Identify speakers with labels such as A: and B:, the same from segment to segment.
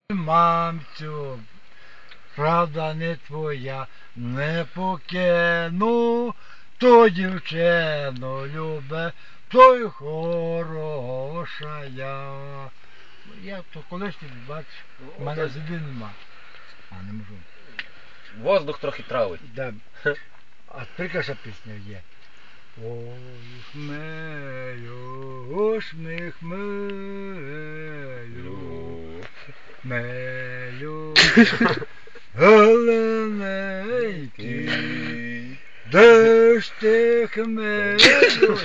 A: Мамцю, правда не твоя, не покину, то дівчину любе, то й хороша я. Я то колись ти бачиш, в мене зуби нема. А не можу.
B: Воздух трохи травить.
A: Да. А прекрасна пісня є. Ох, мею, мею, голенький, де ж ти хмелю,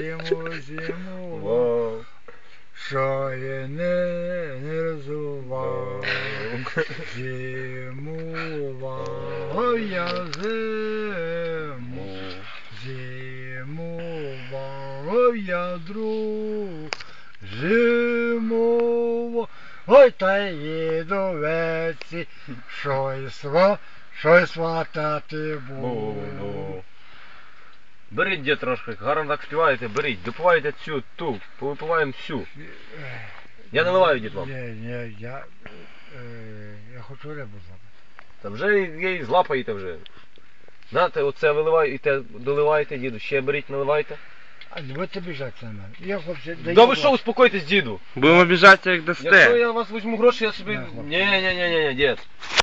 A: зиму, що я не розував, зимував я зиму, зимував я зимував, ой, та їду веці, що й сватати буду.
B: Беріть, дід, трошки, гарно так співаєте, беріть, допивайте цю, ту, повипиваємо всю. Я наливаю, дід, вам.
A: Ні, я хочу рибу злапати.
B: Та вже її злапаєте вже. Знаєте, оце виливаєте, доливаєте, діду, ще беріть, наливайте.
A: А не будете біжати на мене. Я, хлопці,
B: Да ви що, успокойтесь, діду.
C: Будемо біжати, як
B: Якщо
C: дасте.
B: я вас візьму гроші, я собі... Ні, дід.